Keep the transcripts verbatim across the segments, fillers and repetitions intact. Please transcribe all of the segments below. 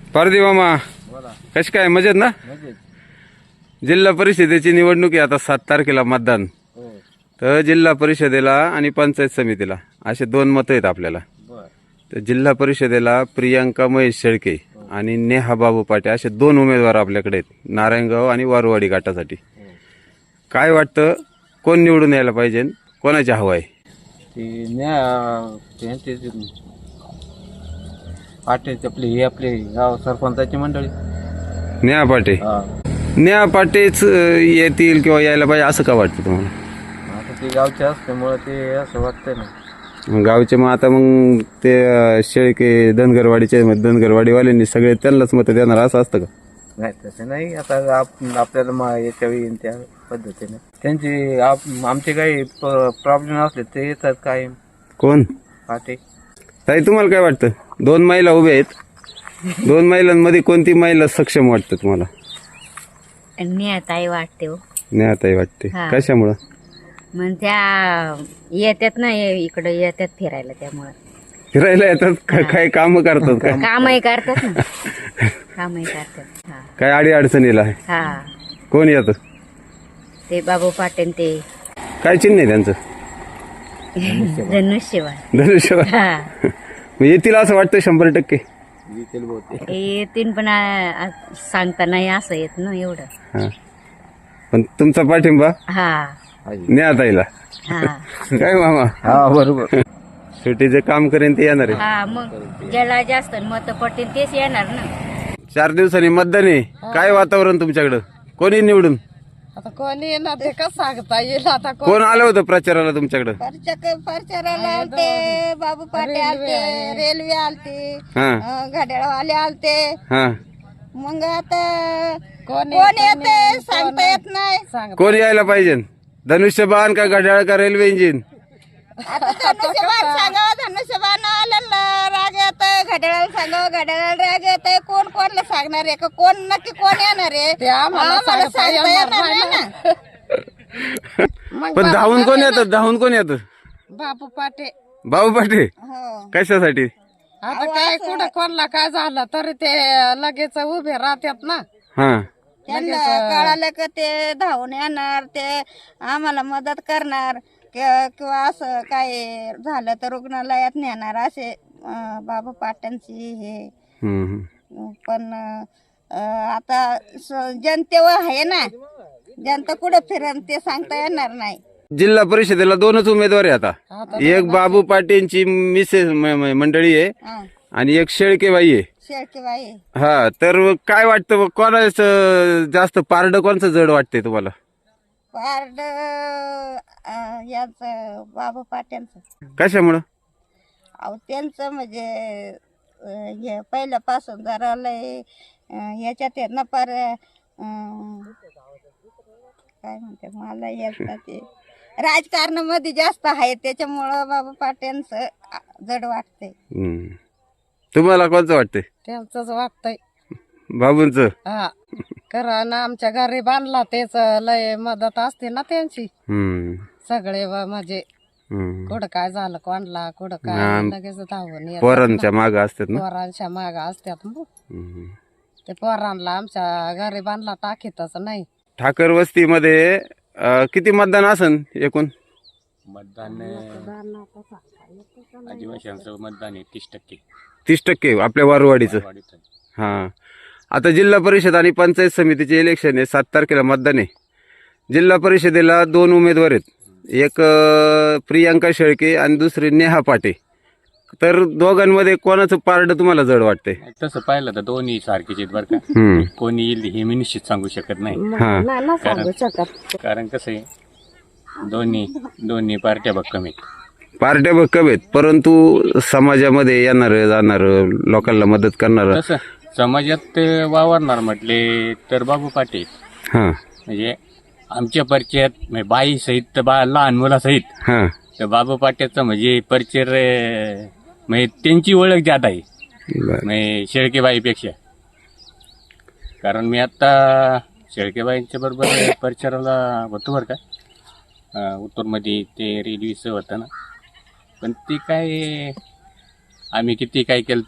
पारदी मामा बोला. कशी काय मजेत ना? मजेत. जिल्हा परिषदेची निवडणूक आहे आता सात तारखेला मतदान. हो. तर जिल्हा परिषदेला आणि पंचायत समितीला असे दोन मतं आहेत आपल्याला. बर. तर जिल्हा परिषदेला प्रियांका महेश शेळके आणि नेहा बाबू पाटे असे दोन उमेदवार आपल्याकडे आहेत नारायणगाव आणि वारुवाडी गटासाठी. काय वाटतं कोण निवडून यायला पाहिजे, कोणाची हवा आहे? ते न्या त्यांचे पाटील आपले हे आपले गाव सरपंचाची मंडळी. नेहा पाटे. हा. नेहा पाटेच अं, येतील किंवा यायला पाहिजे असं का वाटतं तुम्हाला? आता ते गावचे असल्यामुळे ते असं वाटतंय ना. गावचे मग आता मग ते अं, शेळके धनगरवाडीचे धनगरवाडीवाल्यांनी सगळे त्यांनाच मतं देणार असं असतं का? नाही तसं नाही. आता आप- आपल्याला मा- याच्या वेळी त्या पद्धतीने त्यांची आप- आमचे काही प्रॉब्लेम असले ते येतात काय कोण? पाटे. ताई तुम्हाला काय वाटतं? दोन महिला उभ्या आहेत, दोन महिलांमध्ये कोणती महिला सक्षम वाटतं तुम्हाला? नेताई वाटते हो. नेहाताई वाटते. हा. कशामुळं? मग त्या येतात ना ये- इकडं येतात फिरायला त्यामुळं फिरायला येतात का- काय काम करतात का? कामही करतात ना कामही करतात. हा काय अडी अडचणीला आहे? हा कोण येतं? ते बाबू पाटील ते काय चिन्ह आहे त्यांचं? धनुष्यबाण. धनुष्यबाण. हा मग येतील असं वाटतं शंभर टक्के. येतील बहुतेक. येतीन पण आ- आ- सांगता नाही असं येत ना एवढं. हा. पण तुमचा पाठिंबा हा नेहाताईला. हा काय मामा? हा बरोबर. सुट्टीचे काम करेन ते येणार आहे. हा मग ज्याला जास्त मत पडतील तेच येणार ना. चार दिवसांनी मतदान आहे. काय वातावरण तुमच्याकडं? कोणी निवडून? आता कोणी येणार ते कसं सांगता येईल. आता कोण कोण आलं होतं प्रचाराला तुमच्याकडं? प्रचाराला आलते, बाबू पाटे आलते, रेल्वे आलते, हा घड्याळवाले आलते. हा. मग आता कोण येते सांगता येत नाही. कोण यायला पाहिजे? धनुष्यबाण का घड्याळ का रेल्वे इंजिन? आता धनुष्यबाण सांगावं, धनुष्यबाण आलेला राग येत, घड्याळाला सांगावं, घड्याळाला राग येत. कोण कोणला सांगणार आहे का? कोण नक्की कोण येणार आहे आम्हाला सांगता येणार नाही ना. पण धावून कोण येतं? धावून कोण येतं? बापू पाटे. भाऊ पाटे. हो. कशासाठी? आता काय कुठं कोणला काय झालं तरी ते लगेच उभे राहतात ना. हा. त्यांना कळालं का ते धावून येणार, ते आम्हाला मदत करणार कि- किंवा असं काय झालं तर रुग्णालयात नेणार असे अं, बाबा पाट्यांची हे. हम्म, हम्म. पण अं, आता स- जनतेवर आहे ना, जनता कुठं फिरण ते सांगता येणार नाही. जिल्हा परिषदेला दोनच उमेदवार आहे आता. एक बाबू पाटेंची मिसेस म- म- मंडळी आहे हा, आणि एक शेळकेबाई आहे. शेळकेबाई. हा. तर काय वाटतं कोणाचं जास्त पारड कोणचं जड वाटतंय तुम्हाला? पारड याच बाबा पाट्यांचं. कशामुळं? अहो त्यांचं म्हणजे अं, हे पहिल्यापासून जरा लय अं, याच्यात आहेत ना पार अं, काय म्हणते मला येत ना ते राजकारणामध्ये जास्त आहे त्याच्यामुळं बाबा पाट्यांचं जड वाटतंय. हम्म. तुम्हाला कोणचं वाटतंय? त्यांचंच वाटतंय. बाबूंचं. हा कारण आमच्या घरी बांधला तेच लय मदत असते ना त्यांची. हम्म. सगळे व म्हणजे हम्म. कुठं काय झालं कोणला कुठं हा. काय लगेच धावून येतात पोरांच्या ना. माग असतात ना. पोरांच्या माग असतात मग. हम्म. ते पोरांना आमच्या घरी बांधला टाकीतच नाही. ठाकर वस्तीमध्ये अं, किती मतदान असन एकूण? मतदान आदिवासींचं मतदान आहे तीस टक्के. तीस टक्के आपल्या वारुवाडीचं. वाढीचं. हा. आता जिल्हा परिषद आणि पंचायत समितीचे इलेक्शन आहे, सात तारखेला मतदान आहे. जिल्हा परिषदेला दोन उमेदवार आहेत, एक अं, प्रियांका शेळके आणि दुसरी नेहा पाटे. तर दोघांमध्ये कोणाचं पारड तुम्हाला जड वाटतंय? तसं पाहिलं तर दोन्ही सारखीच आहेत बरं का. हम्म. कोणी येईल हे मी निश्चित सांगू शकत नाही. हा. कारण कारण कसं आहे दोन्ही दोन्ही पार्ट्या भक्कम आहेत. पार्ट्या भक्कम आहेत, परंतु समाजामध्ये येणार जाणार लोकांना मदत करणार. तसं समाजात ते वावरणार म्हटले तर बाबू पाटील हा. म्हणजे आमच्या परिचयात म्हणजे बाई सहित तर बा लहान मुलासहित हा. तर बाबू पाट्याचं म्हणजे परिचय अं, म्हणजे त्यांची ओळख जात आहे बरं. म्हणजे शेळकेबाईपेक्षा. कारण मी आता शेळकेबाईंच्या बरोबर परिचयाला होतो बरं का उत्तरमध्ये ते रेल्वेचं होतं ना. पण ते काय आम्ही किती काय केलं तर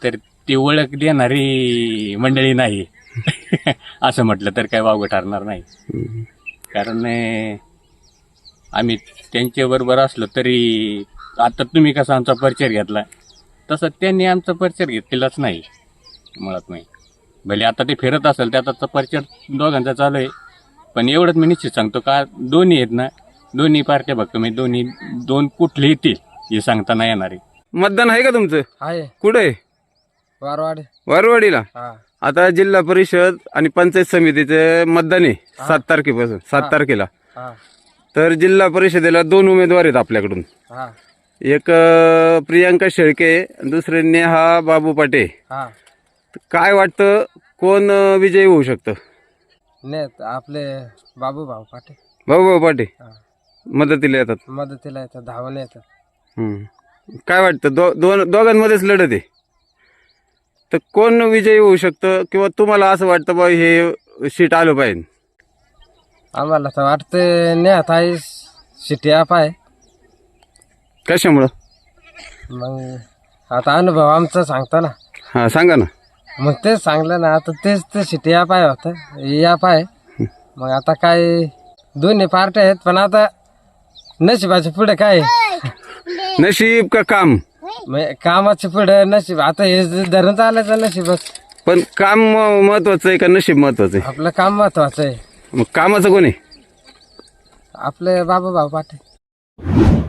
ती ओळख देणारी मंडळी नाही असं म्हटलं तर काय वावगं ठरणार नाही. कारण अं, आम्ही त्यांच्याबरोबर असलो तरी आता तुम्ही कसा आमचा परिचय घेतला तसं त्यांनी आमचा परिचय घेतलेलाच नाही मुळात नाही. भले आता ते फिरत असेल त्याचा परिचय दोघांचा चालू आहे, पण एवढंच मी निश्चित सांगतो का दोन्ही आहेत ना, दोन्ही पार्ट्या बघतो मी, दोन्ही दोन कुठले येतील हे सांगता नाही येणार आहे. मतदान आहे का तुमचं? आहे कुठे? वारवाडी. वारवाडीला. हा आता जिल्हा परिषद आणि पंचायत समितीचे मतदान आहे सात तारखेपासून सात तारखेला. हा तर जिल्हा परिषदेला दोन उमेदवार आहेत आपल्याकडून. हा एक अं, प्रियांका शेळके आणि दुसरे नेहा बाबू पाटे. हा काय वाटतं कोण अं, विजयी होऊ शकतं? नेत आपले बाबू भाऊ पाटे बाबू बाबू पाटे हा. मदतीला येतात. मदतीला येतात, धावून येतात. हम्म. काय वाटतं दो दोन दोघांमध्येच लढत आहे, तर कोण विजयी होऊ शकतं किंवा तुम्हाला असं वाटतं बा हे सीट आलं पाहिजे? आम्हाला तर वाटतं नेत आहे सिटी आप आहे. कशामुळं? मग आता अनुभव आमचा सांगतो ना, हां सांगा ना. मग तेच सांगलं ना, आता तेच ते सिटी ॲप आहे होतं, हे ॲप आहे. मग आता काय दोन्ही पार्ट्या आहेत, पण आता नशिबाच्या पुढे काय आहे? नशीब का काम? म्हणजे कामाच्या पुढे नशीब. आता हे धरण चालायचं नशीबच. पण काम म- महत्वाचं आहे का नशीब महत्वाचं आहे? आपलं काम महत्वाचं आहे. मग कामाचं कोण आहे? आपले बाबा भाऊ पाटे.